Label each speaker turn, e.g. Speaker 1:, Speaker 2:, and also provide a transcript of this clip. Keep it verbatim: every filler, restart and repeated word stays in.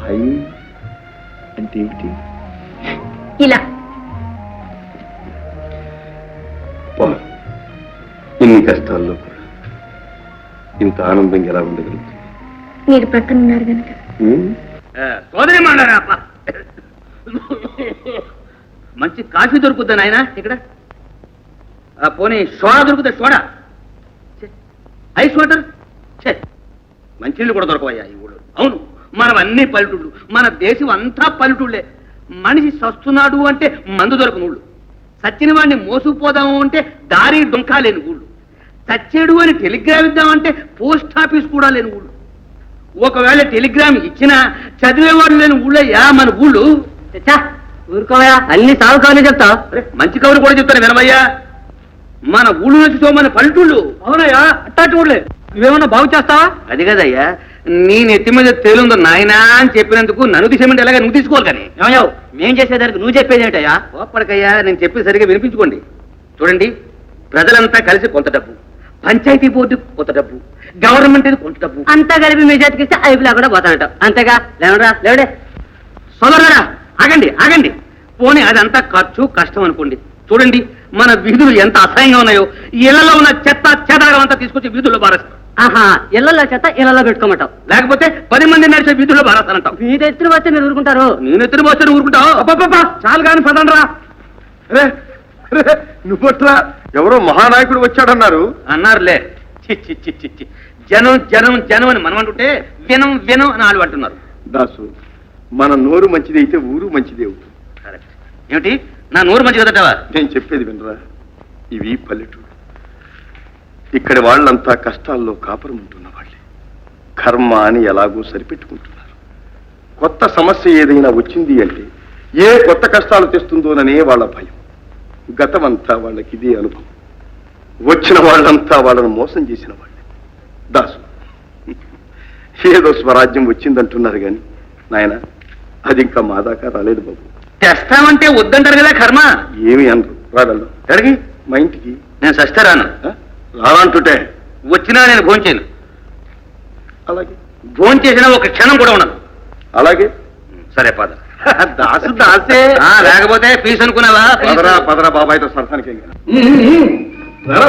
Speaker 1: High అంటే ఏమిటి?
Speaker 2: ఇలా
Speaker 1: ఇన్ని కష్టాల్లో కూడా ఇంత ఆనందంగా ఎలా ఉండగలుగుతుంది?
Speaker 2: మీరు ప్రక్కన ఉన్నారు కనుక.
Speaker 3: సోదరి మండారా మంచి కాఫీ దొరుకుద్దా నాయన ఇక్కడ? పోనీ సోడా దొరుకుతా? సోడా, ఐస్ వాటర్, మంచినీళ్ళు కూడా దొరకవయ్యా ఈ ఊళ్ళో. అవును, మనం అన్ని పల్లెటూళ్ళు, మన దేశం అంతా పల్లెటూళ్ళే. మనిషి సస్తున్నాడు అంటే మందు దొరకని ఊళ్ళు, సచ్చిన వాడిని మోసుకుపోదాము అంటే దారి డొంకా లేని ఊళ్ళు, చచ్చేడు అని టెలిగ్రామ్ ఇద్దామంటే పోస్ట్ ఆఫీస్ కూడా లేని ఊళ్ళు, ఒకవేళ టెలిగ్రామ్ ఇచ్చినా చదివేవాడు లేని ఊళ్ళయ్యా మన ఊళ్ళు. ఊరుకోవయా, అన్ని సాగు కవర్లు చెప్తా. మంచి కవులు కూడా చెప్తాను వినమయ్యా. మన ఊళ్ళు నుంచి మన పల్లెటూళ్ళు. అవునయ్యా, అట్టాటి ఊళ్ళే. నువ్వేమన్నా బాగు చేస్తావా? అది కదయ్యా, నీ నెత్తి మీద తేలుందో నాయనా అని చెప్పినందుకు నన్ను తీసేమంటే ఎలాగ నువ్వు తీసుకోవాలి. కానీ ఏమయ్యావు, మేం చేసేదానికి నువ్వు చెప్పేది ఏంటయ్యా? ఓపడికయ్యా, నేను చెప్పేది సరిగా వినిపించుకోండి. చూడండి, ప్రజలంతా కలిసి కొంత డబ్బు, పంచాయతీ బోర్డు కొంత డబ్బు, గవర్నమెంట్ కొంత డబ్బు, అంతా కలిపి మీ చేతికి ఇస్తే అయిపోలా కూడా పోతానట. అంతేగా? లేవరా లేవడే సోదరురా, ఆగండి ఆగండి. పోనీ అదంతా ఖర్చు కష్టం అనుకోండి. చూడండి, మన వీధులు ఎంత అసహ్యంగా ఉన్నాయో. ఇళ్లలో ఉన్న చెత్త చెదరగం అంతా తీసుకొచ్చి వీధుల్లో బారేస్తాం. ఆహా, ఇళ్లలో చెత్త ఇళ్లలో పెట్టుకోమంటావు, లేకపోతే పది మంది నడిచే వీధుల్లో బారేస్తానంటావు. మీరు ఎత్తున వస్తే మీరు ఊరుకుంటారు? నేను ఎత్తున వస్తే ఊరుకుంటావు? అబ్బా, చాలు కానీ పదండ్రా.
Speaker 1: నువ్వట్లా ఎవరో మహానాయకుడు వచ్చాడన్నారు.
Speaker 3: అన్నారులే. చి చి చి చి చి. జనం జనం జనం అని మనం అంటుంటే వినం వినం అని వాళ్ళు అంటున్నారు.
Speaker 1: దాసు, మన నోరు మంచిది అయితే ఊరు మంచిది అవుతుంది.
Speaker 3: కరెక్ట్. ఏమిటి నా నోరు మంచి కదటవా?
Speaker 1: నేను చెప్పేది వినరా, ఇవి పల్లెటూరు. ఇక్కడి వాళ్ళంతా కష్టాల్లో కాపురం ఉంటున్న వాళ్ళే. కర్మ అని ఎలాగో సరిపెట్టుకుంటున్నారు. కొత్త సమస్య ఏదైనా వచ్చింది అంటే ఏ కొత్త కష్టాలు తెస్తుందోననే వాళ్ళ భయం. గతమంతా వాళ్ళకి ఇదే అనుభవం. వచ్చిన వాళ్ళంతా వాళ్ళను మోసం చేసిన వాళ్ళే. దాసు, ఏదో స్వరాజ్యం వచ్చిందంటున్నారు కానీ నాయన, అది ఇంకా మా దాకా రాలేదు బాబు.
Speaker 3: తెస్తామంటే వద్దంటారు కదా కర్మ.
Speaker 1: ఏమి అనరు, రాగలరు. అడిగి మా ఇంటికి
Speaker 3: నేను సస్తే రాను.
Speaker 1: రానంటుంటే
Speaker 3: వచ్చినా నేను భోంచేను.
Speaker 1: అలాగే
Speaker 3: భోంచేసినా ఒక క్షణం కూడా ఉండదు.
Speaker 1: అలాగే
Speaker 3: సరే పద.
Speaker 1: దాసు దాసే,
Speaker 3: లేకపోతే ఫీజు అనుకున్నావా?
Speaker 1: పదరా పదరా బాబాయ్తో సరసానికి